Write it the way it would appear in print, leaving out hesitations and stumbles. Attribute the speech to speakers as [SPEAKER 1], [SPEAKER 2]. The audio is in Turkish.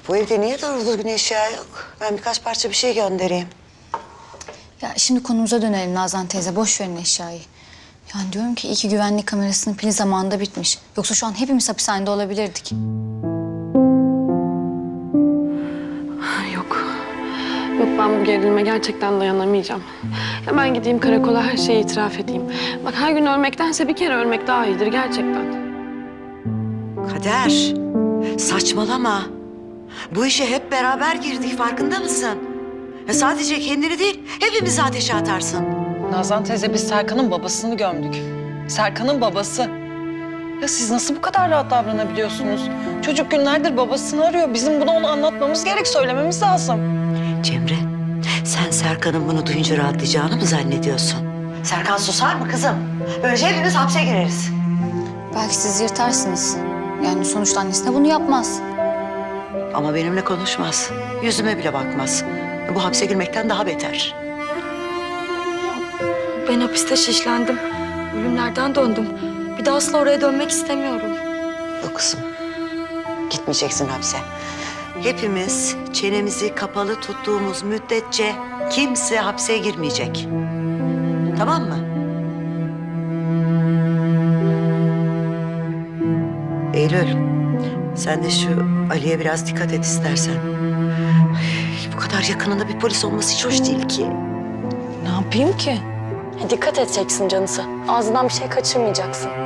[SPEAKER 1] Bu evde niye doğru düzgün eşya yok? Ben birkaç parça bir şey göndereyim.
[SPEAKER 2] Ya şimdi konumuza dönelim Nazan teyze. Boş verin eşyayı. Yani diyorum ki iyi ki güvenlik kamerasının pili zamanında bitmiş. Yoksa şu an hepimiz hapishanede olabilirdik.
[SPEAKER 3] Yok. Yok, ben bu gerilime gerçekten dayanamayacağım. Ya ben gideyim karakola, her şeyi itiraf edeyim. Bak, her gün ölmektense bir kere ölmek daha iyidir gerçekten.
[SPEAKER 1] Kader, saçmalama. Bu işe hep beraber girdik, farkında mısın? Ya sadece kendini değil, hepimizi ateşe atarsın.
[SPEAKER 4] Nazan teyze, biz Serkan'ın babasını gömdük. Serkan'ın babası. Ya siz nasıl bu kadar rahat davranabiliyorsunuz? Çocuk günlerdir babasını arıyor. Bizim bunu ona anlatmamız gerek, söylememiz lazım.
[SPEAKER 1] Cemre, sen Serkan'ın bunu duyunca rahatlayacağını mı zannediyorsun? Serkan susar mı kızım? Böylece hepimiz hapse gireriz.
[SPEAKER 2] Belki siz yırtarsınız. Yani sonuçta annesine bunu yapmaz.
[SPEAKER 1] Ama benimle konuşmaz. Yüzüme bile bakmaz. Bu hapse girmekten daha beter.
[SPEAKER 5] Ben hapiste şişlendim. Ölümlerden döndüm. Bir daha asla oraya dönmek istemiyorum.
[SPEAKER 1] Yok kızım. Gitmeyeceksin hapse. Hepimiz çenemizi kapalı tuttuğumuz müddetçe kimse hapse girmeyecek. Tamam mı? Eylül, sen de şu Ali'ye biraz dikkat et istersen. Ay, bu kadar yakınında bir polis olması hiç hoş değil ki.
[SPEAKER 4] Ne yapayım ki?
[SPEAKER 5] Dikkat edeceksin canısı. Ağzından bir şey kaçırmayacaksın.